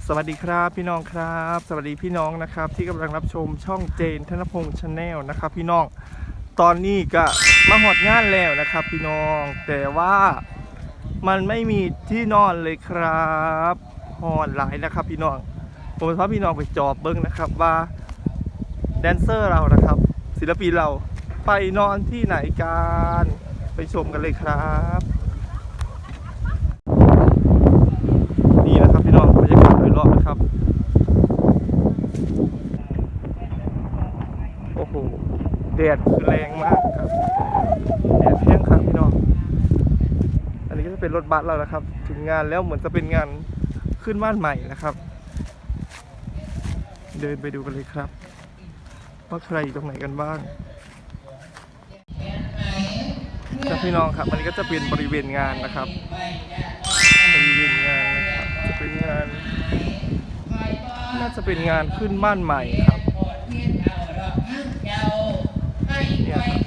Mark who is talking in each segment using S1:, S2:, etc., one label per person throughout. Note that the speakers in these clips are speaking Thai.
S1: สวัสดีครับพี่น้องครับสวัสดีพี่น้องนะครับที่กำลังรับชมช่องเจนธนพงษ์ชาแนลนะครับพี่น้องตอนนี้ก็มาหอดงานแล้วนะครับพี่น้องแต่ว่ามันไม่มีที่นอนเลยครับหอดหลายนะครับพี่น้องผมจะพาพี่น้องไปจอบเบิ้งนะครับว่าแดนเซอร์เรานะครับศิลปินเราไปนอนที่ไหนกันไปชมกันเลยครับนี่นะครับพี่น้องบรรยากาศโดยรอบนะครับโอ้โหแดดคือแรงมากครับแดดแห้งครับพี่น้องอันนี้ก็จะเป็นรถบัสเรานะครับถึงงานแล้วเหมือนจะเป็นงานขึ้นบ้านใหม่นะครับเดินไปดูกันเลยครับว่าใครอยู่ตรงไหนกันบ้างครับพี่น้องครับอันนี้ก็จะเป็นบริเวณงานนะครับบริเวณงานนะครับจะเป็นงานน่าจะเป็นงานขึ้นบ้านใหม่ครับเนี่ยครับ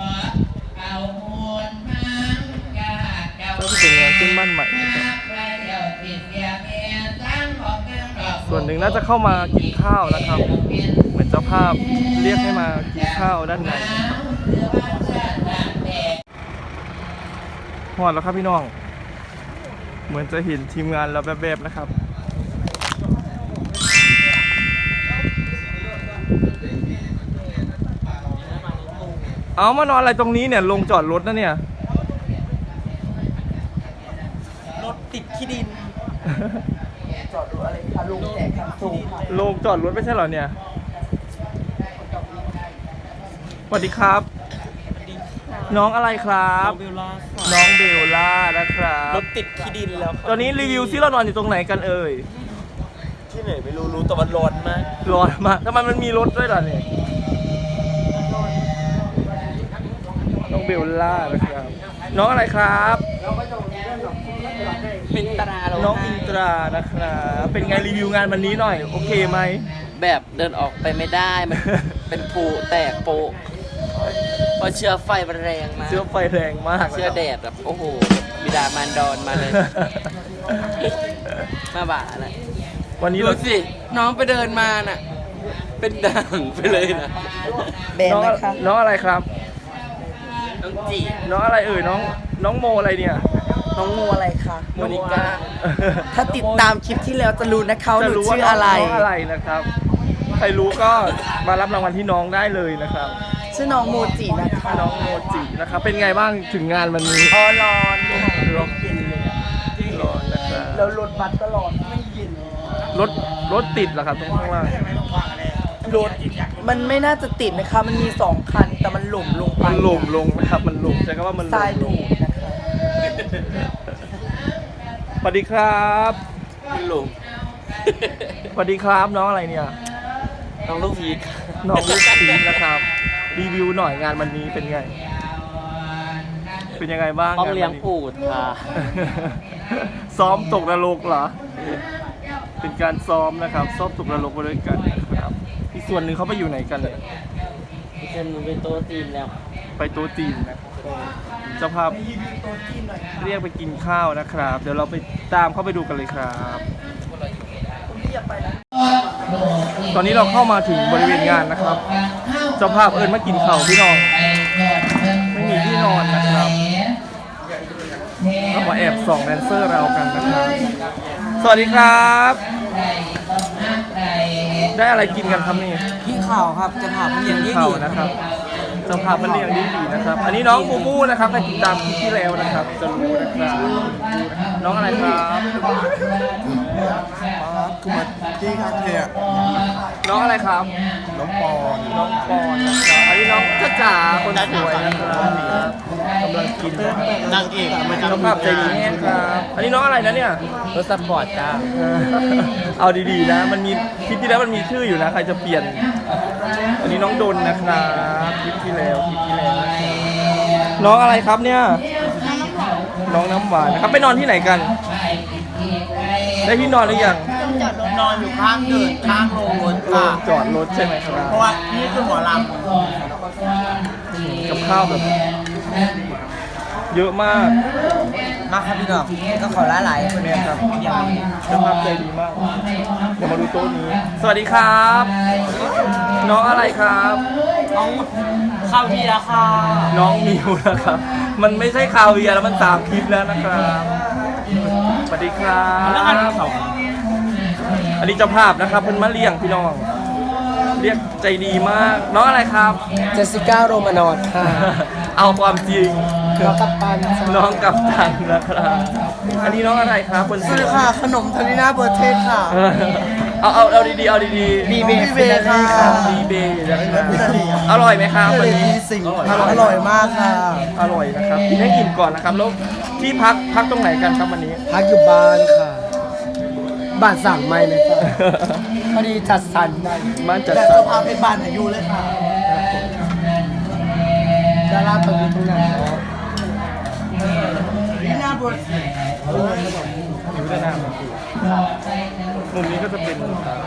S1: ก็จะเป็นงานขึ้นบ้านใหม่นะครับส่วนหนึ่งน่าจะเข้ามากินข้าวนะครับเหมือนเจ้าภาพเรียกให้มากินข้าวด้านในหอดแล้วครับพี่น้องเหมือนจะเห็นทีมงานเราแบบๆนะครับเอามานอนอะไรตรงนี้เนี่ยลงจอดรถนะเนี่ย
S2: รถติดขี้ดินจอดรถอะไรคะลุงแจกคำสูงค่ะ
S1: ลงจอดรถไม่ใช่เหรอเนี่ยสวัสดีครับน้องอะไรครับน้องเบลล่านะครับ
S2: รถติดขี้ดินแล้ว
S1: ตอนนี้รีวิวซิเรานอนอยู่ตรงไหนกันเอ่ย
S2: ที่ไหนไม่รู้แต่มันร้อนมาก
S1: ร้อนมากทำไมมันมีรถด้วยล่ะเนี่ยน้องเบลล่านะครับน้องอะไรครับ
S2: เป็นตรา
S1: น้องอินตรานะครับเป็นไงรีวิวงานวันนี้หน่อยโอเคไหม
S2: แบบเดินออกไปไม่ได้มัน เป็นปูแตกโปเพราะเชื้อไฟมันแรงมาก
S1: เชื้อไฟแรงมาก
S2: เชื้อแดดแบบโอ้โหบิดามารดอนมาเลย มาบ่านะ
S1: วันนี้
S2: ดูสิน้องไปเดินมาน่ะเป็นด่างไปเลยนะ
S1: แบนนะคะน้องอะไรครับ
S2: น้องจี
S1: น้องอะไรเอ่ยน้องโมอะไรเนี่ย
S2: น้องโมอะไรคะโมนิก้าถ้าติดตามคลิปที่แล้วจะรู้นะคะหนูชื่ออะไร
S1: น้องอะไรนะครับใครรู้ก็มารับรางวัลที่น้องได้เลยนะครับ
S2: ชื่อน้องโมจินะคะ
S1: น้องโมจินะครับเป็นไงบ้างถึงงานวันนี้
S2: ร้อนร้อนเย็นเลย
S1: ร้อนนะครับ
S2: แล้วรถบัสก็ร้อนไม่เย็น
S1: รถติดเหรอครับตรงข้างล่าง
S2: รถมันไม่น่าจะติดนะคะมันมี2คันแต่มันหล่มลงไป
S1: มันหล่มลงนะครับมันหล่มใช่ก็ว่ามัน
S2: ทรายดูดนะคะ
S1: สวัสดีครับ
S2: มันหล่ม
S1: สวัสดีครับน้องอะไรเนี่ย
S2: น้องลูกพีช
S1: น้องลูกพีชนะครับรีวิวหน่อยงานวันนี้เป็นไงเป็นยังไงบ้าง
S2: ต้องเลี้ยงปูดค่ะ
S1: ซ้อมตกนรกเหรอเป็นการซ้อมนะครับซ้อมตกนรกไปด้วยกันนะครับอีกส่วนหนึ่งเขาไปอยู่ไหนกันเลย
S2: อีกส่วนหนึ่งไปโต๊ะจีนแล้ว
S1: ไปโต๊ะจีนนะเจ้าภาพเรียกไปกินข้าวนะครับเดี๋ยวเราไปตามเข้าไปดูกันเลยครับตอนนี้เราเข้ามาถึงบริเวณงานนะครับเจ้าภาพมากินข้าวพี่น้องไม่มีที่นอนนะครับเรามาแอบส่องแดนเซอร์เรากันนะครับสวัสดีครับได้อะไรกินกันครับนี่
S2: พี่ข่าวครับจะถามมันอย่างนี้ดี
S1: นะครับเจ้าภาพมันเรียงดีนะครับอันนี้น้องมูมูนะครับให้ติดตามคลิปที่แล้วนะครับจะรู้นะครับน้องอะไรครับ
S3: คือมาที่คาเทีย
S1: น้องอะไรครับ
S3: น้องปอน
S1: นะครับอันนี้น้องจ้าจ๋าคนสวยนะครับกำลังกิน
S3: นางเอก
S1: เจ้าภาพใจดีครับอันนี้น้องอะไรนะเนี่ย
S2: รถสปอร์ตจ้า
S1: เอาดีๆนะมันมีคลิปที่แล้วมันมีชื่ออยู่นะใครจะเปลี่ยนอันนี้น้องดนนะครับคลิปที่แล้วน้องอะไรครับเนี่ยน้องน้ำหวานนะครับไปนอนที่ไหนกันได้ที่นอนหรือยัง
S2: นอนอยู่ข้างเดินข้างโรงรถค่ะ
S1: จอดรถใช่ไหมครับ
S2: เพราะว่านี่คือหมอลำ
S1: กับข้าวแบบเยอะมาก
S4: มาครับพี่น้องก็ขอละลายคน
S1: แม่ครับเจ้าภาพใจดีมากเดี๋ยวมาดูโต๊ะนี้ สวัสดีครับ น้องอะไรครับ
S4: น้องข้าวพี่ละค่ะ
S1: น้องมิวนะครับ มันไม่ใช่คาเวียร์แล้วมัน3 คลิปแล้วนะครับ สวัสดีครับ อันนี้เจ้าภาพนะครับเพิ่นมาเลี้ยงพี่น้อง เรียกใจดีมาก น้องอะไรครับ
S4: เจสสิก้าโรมานอดค่ะ
S1: เอาความจริง
S4: น้องกัปตัน
S1: น้องกับตันนะครับ อันนี้น้องอะไรครับคนสวย
S4: ค่ะขนมทาริน่าเบอร์เทสค่ะ
S1: เอาดีๆเอาดีๆ
S4: บีเบค่ะ
S1: ดีเบย์นะครับอร่อยไหมครับวันนี้
S4: สิ่งอร่อยมากค่ะ
S1: อร่อยนะครับกินให้อิ่มก่อนนะครับแล้วที่พักตรงไหนกันครับวันนี้
S4: พักอยู่บ้านค่ะ บ้านสั่งไม่เลยค่ะพอดีจัดสรรได้
S1: บ้านจัด
S4: แต่
S1: สร
S4: เจ้าร ภาพเป็นบ้านอายุเลยค่ะดาราตรงนี้ตรงไหนเนาะลีน่าเบอร์เทส
S1: อยู่ด้านหน้ามันคือมุมนี้ก็จะเป็น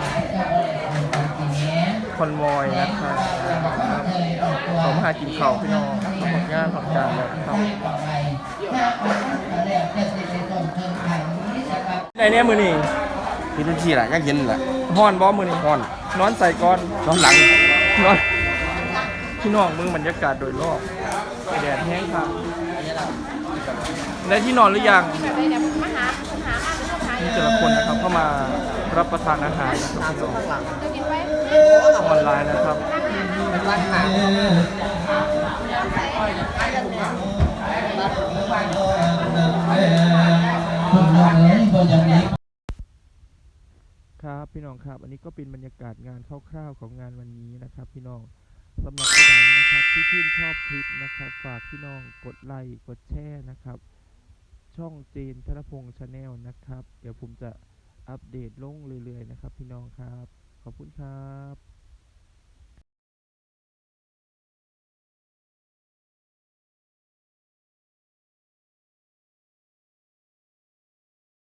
S1: คอนวอยนะครับเขามาหากินข้าวพี่น้องทำงานทำการแล้วครับไหนเนี่ยมือนี่
S3: พี่ทุกที่แหละยังเห็นแหละ
S1: ฮ้อนบอมือนี่ฮ้อน นอนใส่ก้อน
S3: น้องหลัง
S1: นอนพี่น้องมึงบรรยากาศโดยรอบแดดแห้งค่ะได้ที่นอนหรือยังนี่แต่ละคนนะครับเข้ามารับประทานอาหารนะครับพี่น้องออนไลน์นะครับ ครับพี่น้องครับอันนี้ก็เป็นบรรยากาศงานคร่าวๆของงานวันนี้นะครับพี่น้องสำหรับผู้ใดนะครับที่ชื่นชอบคลิปนะครับฝากพี่น้องกดไลค์กดแชร์นะครับช่องเจนธนพงษ์ชาแนลนะครับเดี๋ยวผมจะอัปเดตลงเรื่อยๆนะครับพี่น้องครับขอบคุณครับ